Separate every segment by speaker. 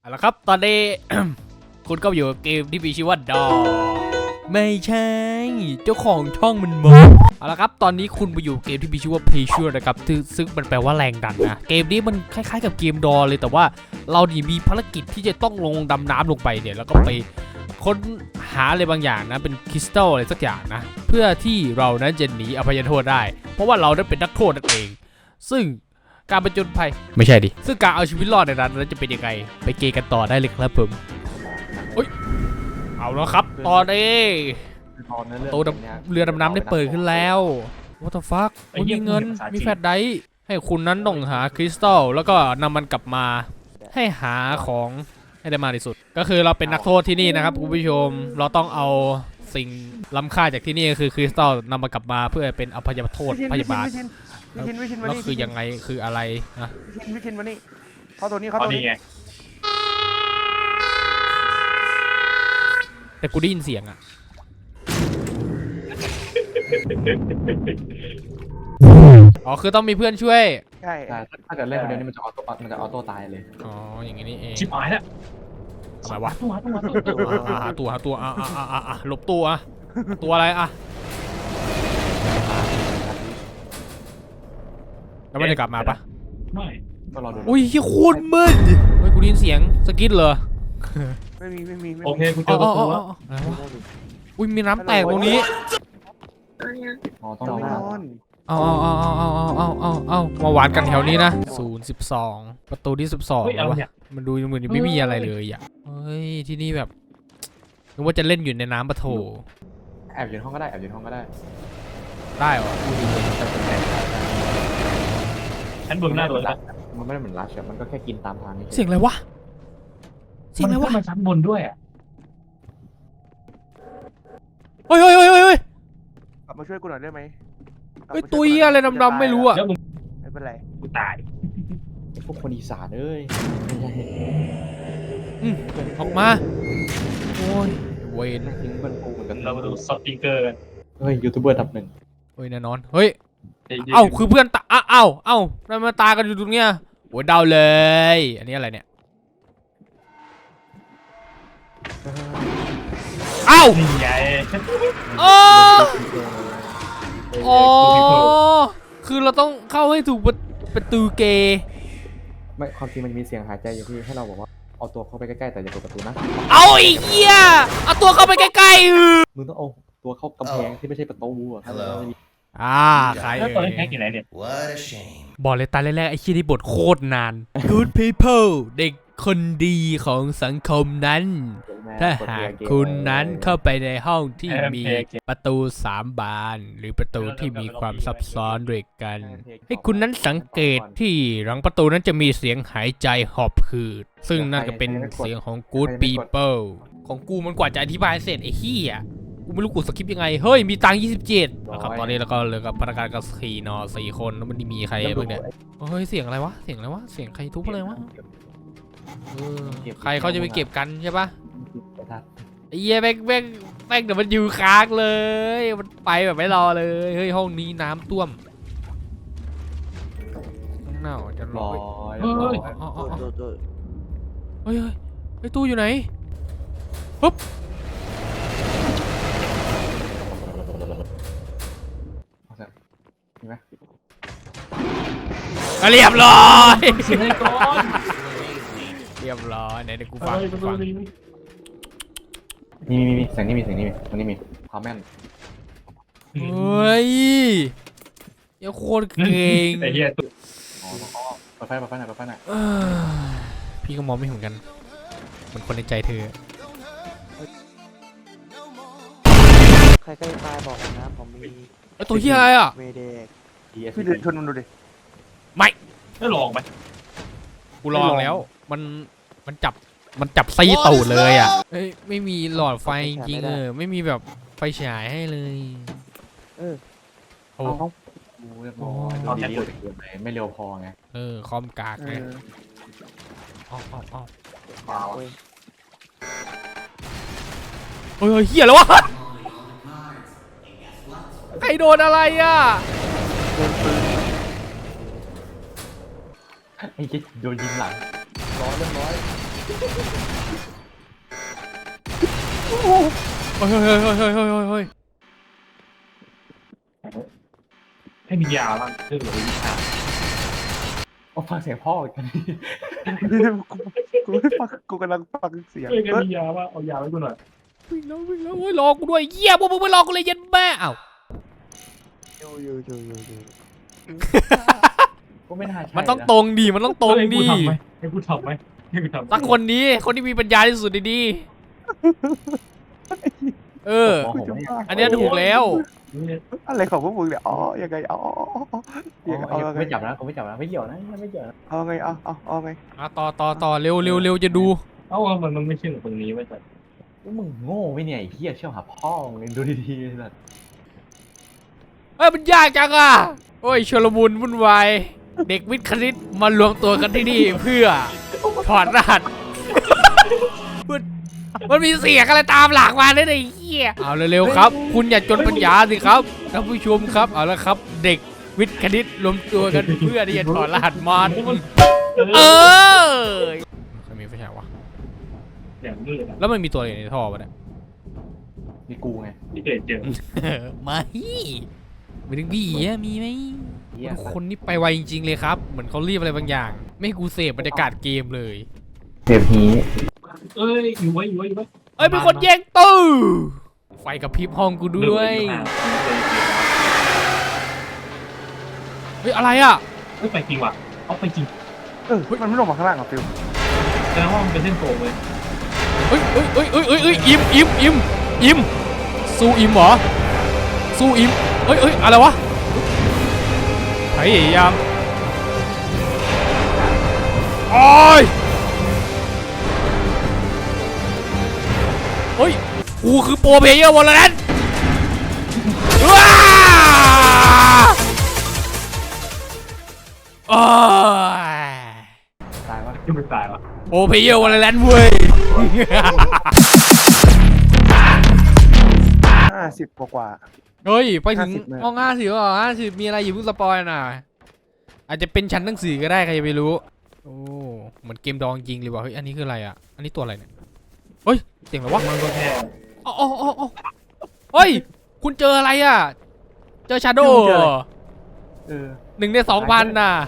Speaker 1: เอาละครับตอนนี้ คุณก็อยู่กับเกมที่มีชื่อว่าดอไม่ใช่เจ้าของช่องมันบอกเอาละครับตอนนี้คุณไปอยู่เกมที่มีชื่อว่า Pressure นะครับซึ่งมันแปลว่าแรงดันนะเกมนี้มันคล้ายๆกับเกมดอเลยแต่ว่าเรานี่มีภารกิจที่จะต้องลงดำน้ำลงไปเนี่ยแล้วก็ไปค้นหาอะไรบางอย่างนะเป็นคริสตัลอะไรสักอย่างนะเพื่อที่เรานั้นจะหนีอภัยโทษได้เพราะว่าเรานั้นเป็นนักโทษนั่นเองซึ่งการประจนภัยไม่ใช่ดิซึ่งการเอาชีวิตรอดในนั้นจะเป็นยังไงไปเกย์กันต่อได้เลยครับผมเอาแล้วครับตอนนี้ตัวเรือดำน้ำได้เปิดขึ้นแล้ว What the fuck มีเงินมีแฟลชไดรฟ์ให้คุณนั้นต้องหาคริสตัลแล้วก็นำมันกลับมาให้หาของให้ได้มากที่สุดก็คือเราเป็นนักโทษที่นี่นะครับคุณผู้ชมเราต้องเอาสิ่งล้ำค่าจากที่นี่คือคริสตัลนำมันกลับมาเพื่อเป็นอภัยโทษพยาบาลแล้วคือยังไงคืออะไรนะ
Speaker 2: วิชินมานี่เขาตัวนี้เขาตัวนี้
Speaker 1: แต่กูได้ยินเสียงอะอ๋อคือต้องมีเพื่อนช่วย
Speaker 2: ใช่
Speaker 3: ถ้าเกิดเล่นคนเดียวนี่มันจะออโต้ตายเลย
Speaker 1: อ๋ออย่างงี้นี่เอง
Speaker 4: ชิบหายแล้ว
Speaker 1: ทำไมวะหาตัวหลบตัวตัวอะไรอะแล้วมันจะกลับมาปะ
Speaker 4: ไม่
Speaker 3: ก็รอดู
Speaker 1: อุ้ยโคตรมืดเฮ้ยกูได้ยินเสียงสกิดเหรอ
Speaker 2: ไม่มี
Speaker 4: โอเคกูเจอประตูแล้ว
Speaker 1: อะไรวะอุ้ยมีน้ำแตกตรงนี้
Speaker 3: อ๋อต้องรอ
Speaker 1: เอามาหวานกันแถวนี้นะ012ประตูที่12แล้ววะมันดูเหมือนไม่มีอะไรเลยอ่ะเฮ้ยที่นี่แบบนึกว่าจะเล่นอยู่ในน้ำปะโถ
Speaker 3: แอบอยู่ในห้องก็ได้
Speaker 1: ได้เหรอ
Speaker 4: ฉันเบื้องหน้าตัวแล้ว
Speaker 3: มันไม่ได้เหมือนรัชมันก็แค่กินตามทางนี่
Speaker 1: เสียงอะไรวะ
Speaker 4: มันชั้นบนด้วยอ่ะ
Speaker 1: เฮ้ย
Speaker 2: กลับมาช่วยกูหน่อยได้ไหม
Speaker 1: เฮ้ยตุยอะไรดำๆไม่รู้อ่ะ
Speaker 2: ไม่เป็นไร
Speaker 4: กูตาย
Speaker 3: พวกคนอีสานเอ้ย
Speaker 1: ออกมาโอ้ยเวน
Speaker 3: ทิ้งมันกูเหมือนกัน
Speaker 4: เรามาดูสติกเกอร์กัน
Speaker 3: เฮ้ยยูทูบเบอร์ดับหนึ่ง
Speaker 1: เฮ้ยแน่นอนเฮ้ยเอ้าคือเพื่อนตาเอ้าแล้วมาตากันอยู่ตรงเนี้ยโอ้ยเดาเลยอันนี้อะไรเนี่ยเอ้า
Speaker 4: ใหญ่
Speaker 1: อ๋อคือเราต้องเข้าให้ถูกประตูเกย์
Speaker 3: ไม่ความจริงมันมีเสียงหายใจอยู่ที่ให้เราบอกว่าเอาตัวเข้าไปใกล้ๆแต่อย่าเปิดประตูนะ
Speaker 1: เอาไอ้เหี้ยเอาตัวเข้าไปใกล้
Speaker 3: มึงต้องเอาตัวเข้ากำแพงที่ไม่ใช่ประตูอ่ะ
Speaker 1: ใคร
Speaker 4: แล้วตัวนี้แพ็กอยู่ไหนเนี่ย
Speaker 1: บอกเลยตาแรกๆไอ้เหี้ยที่บทโคตรนาน Good people เด็กคนดีของสังคมนั้นถ้าหากคุณนั้นเข้าไปในห้องที่มีประตู3 บานหรือประตูที่มีความซับซ้อนด้วยกันให้คุณนั้นสังเกตที่หลังประตูนั้นจะมีเสียงหายใจหอบหืดซึ่งนั่นก็เป็นเสียงของ Good people ของกูมันกว่าจะอธิบายเสร็จไอ้เหี้ยกูไม่รู้กูสคริปยังไงเฮ้ยมีตังค์27นะครับตอนนี้แล้วก็เหลือกับพนักงานกับ4 คนแล้วมันมีใครบ้างเนี่ยเฮ้ยเสียงอะไรวะเสียงใครทุบอะไรวะใครเขาจะไปเก็บกันใช่ปะไอ้เหี้ยแม่งเดี๋ยวมันอยู่ค้างเลยมันไปแบบไม่รอเลยเฮ้ยห้องนี้น้ำท่วมหนาวจะรอเฮ้ยตู้อยู่ไหนปุ๊บเรียบร้อยเรียบร้อยไหนเดี๋ยวกูฟัง
Speaker 3: มีเสียงนี้มีตรงนี้มีความแม่น
Speaker 1: เฮ้ยยังโคตรเก่ง
Speaker 4: ไอ้เหี้ย
Speaker 3: อ๋อเปิดไฟหน่อย
Speaker 1: พี่ก็มองไม่เหมือนกันมันคนในใจเธอ
Speaker 2: ใครตายบอกนะผมมี
Speaker 1: ตัวที่อะไรอ่ะ
Speaker 2: พี่เดินชนมันดูดิ
Speaker 4: ไม่ลองไหม
Speaker 1: กูลองแล้วมันจับไส้ตูดเลยอ่ะเฮ้ยไม่มีหลอดไฟจริงไม่มีแบบไฟฉายให้เลย
Speaker 3: โอ้เรียบร้อยไม่เร็วพอไง
Speaker 1: คอมกากไงเฮ้ยเหี้ยแล้ววะใครโดนอะไรอ่ะ
Speaker 3: ไอ้เจ๊โดนยิงหลังร้อย
Speaker 1: เฮ้ยเฮ้ยเฮ้ยเฮ้ยเฮ้ยเฮ้ย
Speaker 4: ให้มียาบ้างเรื่องหรือวิชา
Speaker 3: โอ้ฟังเสียงพ่อกัน
Speaker 2: กูไม่ฟังกูกำลังฟังเสียง
Speaker 4: เฮ้ยมียาบ้างเอายาไว้กูหน่อย
Speaker 1: วิ่งแล้วเฮ้ยรอกูด้วยเหี้ยพวกมึงไม่รอกูเลยยันแม่อ้าว
Speaker 2: อยู่
Speaker 3: ก็ไม่น่าใช่
Speaker 1: มันต้องตรงดีมันต้องตรงดี
Speaker 4: ให้กูทำไหม
Speaker 1: สักคนนี้คนที่มีปัญญาที่สุดดีเออ อันเนี้ยถูกแล้ว
Speaker 2: อะไรของพวกมึงเนี่ยอ๋อยังไงอ๋อ
Speaker 3: ไม่จับนะกูไม่จับนะไม่เกี่ยวนะไม่เกี่ยวนะ
Speaker 2: เอาไงเอาไง
Speaker 1: ต่อเร็วจะดู
Speaker 4: เอ้ามันไม่ใช่ตรงนี้ไว้แต่
Speaker 3: มึงโง่ไม่เนี่ยไอ้เหี้ยเชี่ยวหาพ่อมึงดูดีๆเลย
Speaker 1: เอ้ยมันยากจังอ่ะโอ้ยชลมุนวุ่นวายเด็กวิทย์คณิตมารวมตัวกันที่นี่เพื่อถอดรหัสมันมีเสียงอะไรตามหลังมาเนี่ยไอ้เหี้ยเอาเร็วๆครับ คุณอย่าจนปัญญาสิครับท่านผู้ชมครับเอาละครับ เด็กวิทย์คณิตรวมตัวกันเพื่อที่จะถอดรหัสมันใครมีไฟฉายวะ
Speaker 4: อย่างมืดนะ
Speaker 1: แล้วมันมีตัวอะไรในท่อปะเนี่ย
Speaker 3: มีกูไง
Speaker 4: ที่เคยเจอ
Speaker 1: ไม่ไม่ถึงพี่อะมีไหมคนนี้ไปไวจริงๆเลยครับเหมือนเขารีบอะไรบางอย่าง ไม่ให้กูเสพบรรยากาศเกมเลย
Speaker 3: เจ็บหี
Speaker 4: เอ้ยอยู่ไว้
Speaker 1: เอ้ยเป็นคนแย่งตู้ไฟกับพริบห้องกูด้วยเฮ้ยอะไรอ่ะ
Speaker 4: เฮ้ยไปจริงว่ะเอาไปจริง
Speaker 2: มันไม่ลงมาข้างล่างหรอฟิว
Speaker 4: แสดงว่ามันเป็นเส้นโค้งเลย
Speaker 1: เฮ้ยอิมสู้อิมเหรอสู้อิมเฮ้ยอะไรวะพยายามโอ้ยเฮ้ยกูคือโปรเพลเยอร์วอลเลนว้าโอ้ย
Speaker 3: ตายวะ
Speaker 4: ยังไม่ตายวะ
Speaker 1: โปรเพลเยอร์วอลเลนเว้ย
Speaker 2: 50 กว่า
Speaker 1: เฮ้ยไปถึง
Speaker 2: 50เลย
Speaker 1: ห้อง50เหรอ50มีอะไรอยู่เพิ่งสปอยน่ะอาจจะเป็นชั้นหนังสือก็ได้ใครจะไปรู้โอ้เหมือนเกมดองจริงเลยว่ะเฮ้ยอันนี้คืออะไรอ่ะอันนี้ตัวอะไรเนี่ยเฮ้ยเสียงอะไรวะ
Speaker 4: มันก็แค่
Speaker 1: อ๋อเฮ้ยคุณเจออะไรอ่ะเจอชาโดว์ 1 ใน 2,000น่ะ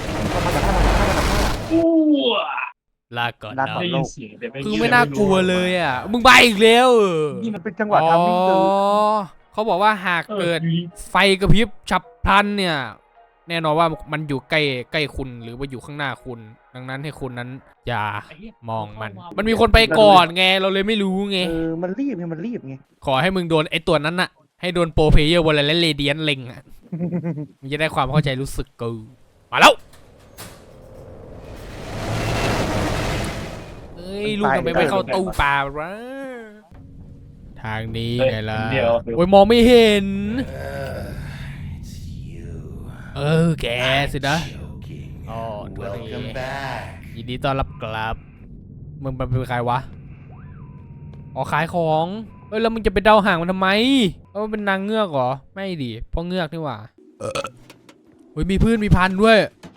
Speaker 4: อู้
Speaker 1: ลาก่อน
Speaker 2: ลา
Speaker 1: นะ
Speaker 2: ก่
Speaker 4: ได้
Speaker 2: น
Speaker 4: ยินเสียงแต่ไม่
Speaker 1: คือไม่น่ากลัวเลยอ่ะมึงไปอีกแล้ว
Speaker 2: ๆนี่มันเป็นจังหวะทำมิ่งตึง
Speaker 1: เขาบอกว่าหากเกิดไฟกระพริบฉับพลันเนี่ยแน่นอนว่ามันอยู่ใกล้คุณหรือว่าอยู่ข้างหน้าคุณ ดังนั้นให้คุณนั้นอย่ามองมันมีคนไปก่อนไงเราเลยไม่รู้ไง
Speaker 2: มันรีบไง
Speaker 1: ขอให้มึงโดนไอตัวนั้นน่ะให้โดนโปรเพลเยอร์วอลเลนเรเดียนเล็งอ่ะมึงจะได้ความเข้าใจรู้สึกกูมาแล้วเอ้ยลูกทำไมไม่เข้าตู้ป่าวะทางนี้ไงล่ะโอ้ยมองไม่เห็นแกสินะอ๋อตัวนี้ยินดีต้อนรับกลับมึงเป็นใครวะอ๋อขายของแล้วมึงจะไปเดาห่างมันทำไมมันเป็นนางเงือกเหรอไม่ดิเพราะเงือกนี่หว่าเฮ้ยมีพืชมีพันธุ์ด้วย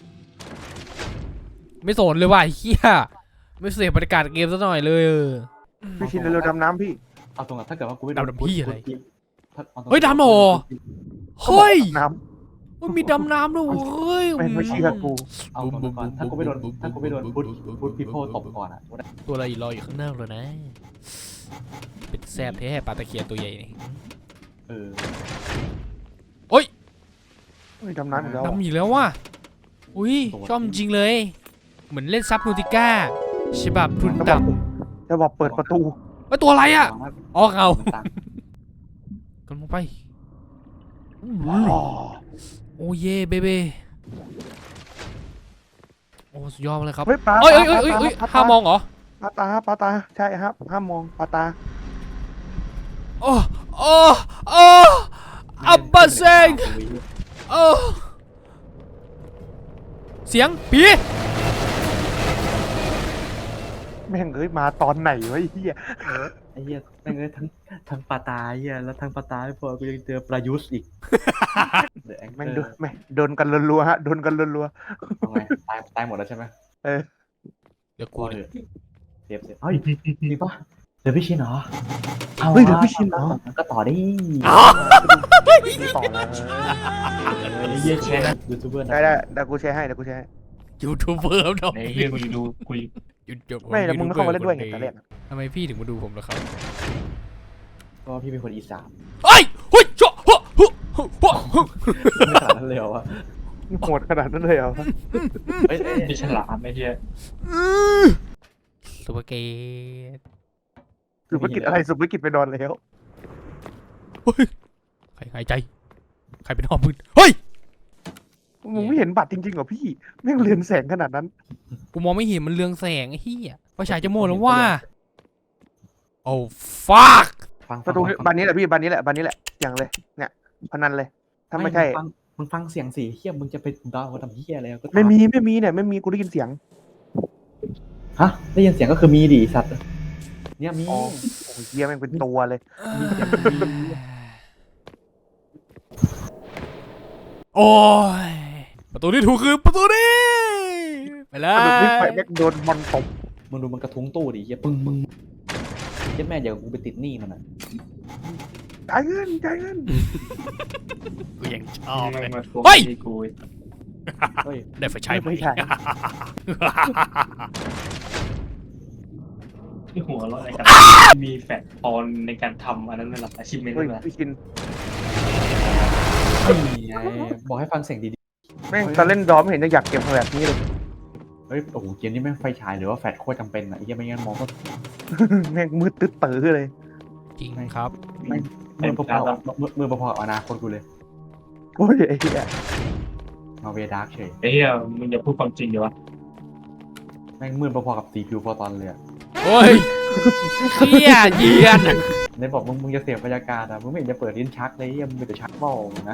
Speaker 1: ไม่สนเลยว่ะเฮียไม่เสียบรรยากาศเกมซะหน่อยเลย
Speaker 2: พี่ชินเร็วๆดำน้ำพี่
Speaker 3: เอาตรงถ้าเกิดว่ากูไม่
Speaker 1: ดำพี่อะไร
Speaker 3: เฮ้ย
Speaker 1: ดำเหรอเฮ้ย
Speaker 2: น้
Speaker 1: มันมีดำน้ำด้วยเฮ้ย
Speaker 2: ำไม่เชื่อกู
Speaker 3: เอาตรงก่อนถ้ากูไม่โดนพุทพิโพตบก่อนอ่ะ
Speaker 1: ตัวอะไรรออยู่ข้างหน้าเลยนะเป็นแซ่บแท้ปลาตะเคียนตัวใหญ่นี่
Speaker 2: ดำน้ำอีกแล้ว
Speaker 1: ดำอีกแล้วว่ะอุ้ยชอบจริงเลยเหมือนเล่นซับนูติก้าฉบับทุนต่ำ
Speaker 2: จะบอกเปิดประตู
Speaker 1: ตัวอะไรอ่ะอ๋อเอากันลงไปโอ้เย่เบเบโอ้สุดยอดเลยครับ
Speaker 2: เฮ้ยปลา
Speaker 1: เอ้ยห้ามมองเหรอ
Speaker 2: ปลาตาใช่ครับห้ามมองปลาตา
Speaker 1: โอ้อับบาเซงเสียงผี
Speaker 2: แม่งมาตอนไหนวะไอ้เหี้ย
Speaker 3: ไอ้เหี้ยแม่งทั้งปลาตาเหี้ยแล้วทั้งปลาตาไม่พอกูยังเจอปลายุสอีก
Speaker 2: แม่งโดนกันรัวๆฮะโดนกันรัว
Speaker 3: ทำไงตายหมดแล้วใช่ไหม
Speaker 2: ๆ
Speaker 1: เดี๋ยวกู
Speaker 3: เซฟเฮ้ยจริงปะเดี๋ยวพี่ชินเหรอ
Speaker 2: เฮ้ยเดี๋ยวพี่ชินเหรอ
Speaker 3: ก็ต่อได้
Speaker 2: ต่อแล้ว
Speaker 3: เยี่ยแชร์นะยูทูบเบอร์นะ
Speaker 2: ได้เดี๋ยวกูแชร์ให้
Speaker 1: ยูทูบเบอร์ครับ
Speaker 4: ในเฮียกูดูกู
Speaker 1: หยุดจบ
Speaker 2: ไม่แล้วมึงไม่เข้ามาเล่นด้วยไงตอนแรก
Speaker 1: ทำไมพี่ถึงมาดูผมล่ะครับ
Speaker 3: ก็พี่เป็นคนอีสาน
Speaker 1: เฮ้ยเฮ้ยโจ้โฮ้โฮ้โฮ้โฮ้
Speaker 3: ไม่ขนาดนั้นเลยเหรอวะ
Speaker 2: โหดขนาดนั้นเลยเหรอ
Speaker 3: เฮ้ย
Speaker 4: ที่ฉลาดไอ้เฮีย
Speaker 1: สุภเกต
Speaker 2: สุภกิจอะไรสุภกิจไปนอนแล้ว
Speaker 1: เฮ้ยใครหายใจใครเป็นหอบมืนเฮ้ย
Speaker 2: มึงไม่เห็นบัตรจริงๆเหรอพี่แม่งเรืองแสงขนาดนั้น
Speaker 1: กูมองไม่เห็นมันเรืองแสงไอ้เหี้ยไฟฉายจะหมดแล้วว่าโอ้ฟัก
Speaker 2: ประตูบานนี้แหละพี่บานนี้แหละอย่างเลยเนี่ยพนันเลยถ้าไม่ใช่
Speaker 3: มึงฟังเสียงสิเฮียมึงจะไปดาวเขาทำเฮียอะไรก็
Speaker 2: ไม่มีเนี่ยไม่มีกูได้ยินเสียง
Speaker 3: ฮะได้ยินเสียงก็คือมีดิสัตว์เนี่ยมี
Speaker 2: อ๋อ โอ้ยเฮียแม่งเป็นตัวเลย
Speaker 1: โอ้ยประตูที่ถูกคือประตูนี้ไปแล้
Speaker 2: ก
Speaker 1: ว
Speaker 2: ระดูกที่ไฟแม่งโดนบอลตบ
Speaker 3: มึงดูมันกระทุ้งตู้ดิเฮียปึ้งมึงเย็ดแม่เดี๋ยวกูไปติดหนี้มันอ่ะ
Speaker 2: จ่ายเงิน
Speaker 1: กูยังชอบเลย
Speaker 4: มา
Speaker 1: เฮ้ย
Speaker 4: กู
Speaker 3: เฮ้ย
Speaker 1: ได้ไฟฉายไหม
Speaker 2: ไม่ใช่
Speaker 4: ที่หัวเราะอะไรกันมีแฟกตอนในการทำอันนั้นเป็นหลักอาชีพเมน
Speaker 2: เฮ้ย
Speaker 4: ต์นะ
Speaker 2: พี่ชิน
Speaker 3: นี่ไงบอกให้ฟังเสียงดี
Speaker 2: แม่งตอนเล่นดอมไม่เห็นจะอยากเก็บแบบนี้เลย
Speaker 3: ๆเฮ้ยโอ้โหเกมนี้แม่งไฟฉายหรือว่าแฟลชโคตรจำเป็นอ่ะไอ้เหี้ยไม่งั้นมองก็
Speaker 2: แม่งมืดตึ๊ดตื้อเลย
Speaker 1: จริงครับ
Speaker 3: มือพอๆมือพอๆกับอนาคตกูเลย
Speaker 2: โอ้ยไอ้เหี้ย
Speaker 3: มาเวดาร์กเฉย
Speaker 4: ไอ้เฮียมึงอย่าพูดความจริงเดี๋ยววะ
Speaker 3: แม่งมือพอๆกับสีผิวฟอร์ตอนเลยอะ
Speaker 1: โอ้ยเหี้ยเยียน
Speaker 3: ในบอกมึงจะเสียบรรยากาศอ่ะมึงไม่เห็นจะเปิดลิ้นชักเลยเหี้ยมึงมีแต่ชักเบ้านะ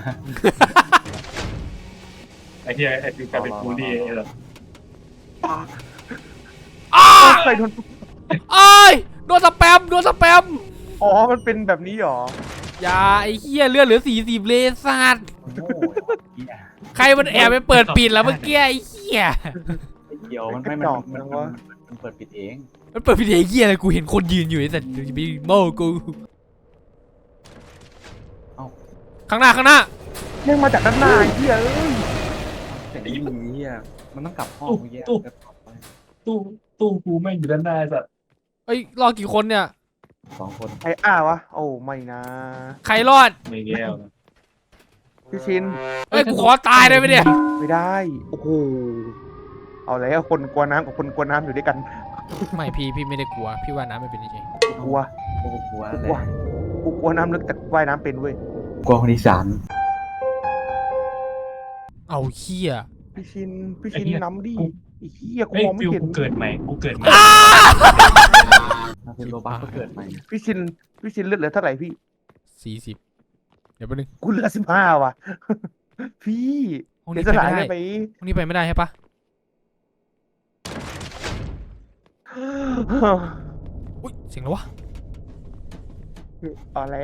Speaker 4: ไอ้เฮียไอ้ฟิวกลายเป็นบูลลี่ไอ้แบบ
Speaker 1: อ้า
Speaker 2: ใครโดน
Speaker 1: ไอ้ยโดนสแปม
Speaker 2: อ๋อมันเป็นแบบนี้หรอ
Speaker 1: อย่าไอ้เหี้ยเลือดเหลือ40เลสัตว์
Speaker 3: โง่เหี้ย
Speaker 1: ใครมันแอบไปเปิดปิดแล้วเมื่อกี้ไอ้เหี้ย
Speaker 3: ไอ้เดียวมันไม่มันเปิดปิดเอง
Speaker 1: มันเปิดปิดไอ้เหี้ยอะไรกูเห็นคนยืนอยู่ไอ้สัตว์จะไปโม่กูข้างหน้า
Speaker 2: แม่งมาจากด้านหน้าไอ้เหี้ยเอ้ย
Speaker 3: แต่ไอ้เหี้ยมันต้องกลับห้องเมื่อกี้
Speaker 4: ตู้กูแม่งอยู่ด้านหน้าสัตว์
Speaker 1: เอ้ยรอดกี่คนเนี่ย
Speaker 3: 2 คน
Speaker 2: ไอ้อ้าวะโอ้ไม่นะ
Speaker 1: ใครรอด
Speaker 4: ไม่แก้วนะ
Speaker 2: พี่ชิน
Speaker 1: เอ้ยกูขอตายได้ไหมเนี่ย
Speaker 2: ไม่ได้โอ้โหเอาแล้วคนกลัวน้ำกับคนกลัวน้ำอยู่ด้วยกัน
Speaker 1: ไม่พี่ไม่ได้กลัวพี่ว่าน้ำไม่เป็นจริง
Speaker 2: กลัว
Speaker 3: โอ้โหกลัว
Speaker 2: ก
Speaker 3: เล
Speaker 2: ลัวย กูกลัวน้ำลึกแต่ว่ายน้ำเป็นเว้ย
Speaker 3: กลัวคนอีสาน
Speaker 1: เอาเหี้ย
Speaker 2: พี่ชินน้ำดิไอ้เหี้ยกู
Speaker 4: เฮ้ย
Speaker 2: มองไม่
Speaker 4: ฟิว
Speaker 2: เห็น
Speaker 4: กูเกิดใหม่
Speaker 3: ถ้าเป็นโรบัสก็เกิดใหม่
Speaker 2: พี่ชินเลือดเหลือเท่าไหร่พี่
Speaker 1: 40เดี๋ยวแป๊บนึง
Speaker 2: กูเหลือ15ว่ะ พี่
Speaker 1: ห้อง
Speaker 2: เดี๋
Speaker 1: นี้
Speaker 2: ยว
Speaker 1: ไป
Speaker 2: สลาย
Speaker 1: ไม่
Speaker 2: ได้
Speaker 1: ได้
Speaker 2: ไป
Speaker 1: ห้องนี้ไปไม่ได้ใช่ปะอุ้ยเสียงแล้ววะ
Speaker 2: เอาแล้ว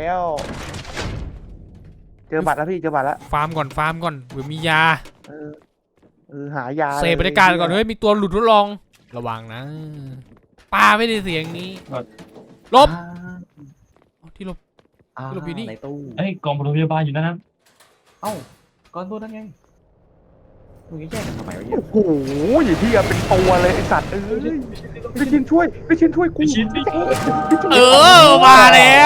Speaker 2: เจอบัตรแล้วพี่เจอบัตรแล้ว
Speaker 1: ฟาร์มก่อนเผื่อมียา
Speaker 2: เออหายา
Speaker 1: เสพบรรยากาศก่อนเฮ้ยมีตัวหลุดทดลองระวังนะปลาไม่ได้เสียงนี้ลบเอาที่ลบ หลบอยู่นี่
Speaker 3: ในตู้
Speaker 4: เฮ้ยกองพยาบาลอยู่นั่นนะ
Speaker 3: เอ้าก้อนตัวนั่นไงมึงจะแย่งกันทำไมวะเหี้ย
Speaker 2: โอ้โหอย่างที่เป็นตัวเลยไอสัตว์เอ้ยพี่ชินช่วยกู
Speaker 1: เออมาแล้ว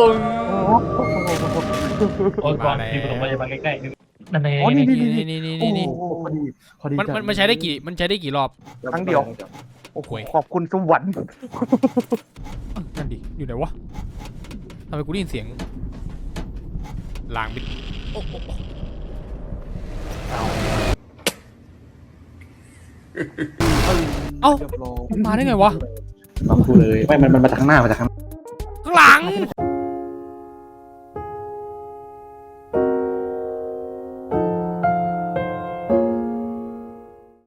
Speaker 4: โอ้ยกองที่โรงพยาบาลใกล้ๆนั่นเอง
Speaker 2: อ๋อนี่
Speaker 1: นี่
Speaker 3: พอดี
Speaker 1: มันใช้ได้กี่รอบ
Speaker 2: ครั้งเดียว โอ้โหขอบคุณสวรรค์
Speaker 1: นั่นดิอยู่ไหนวะทำไมกูได้ยินเสียงลางบิดโอ้โห เอ้า
Speaker 3: เรียบร้อย
Speaker 1: มาได้ไงวะ
Speaker 3: มาพูดเลยไม่มันมาจากข้างหน้า
Speaker 1: ข้างหลัง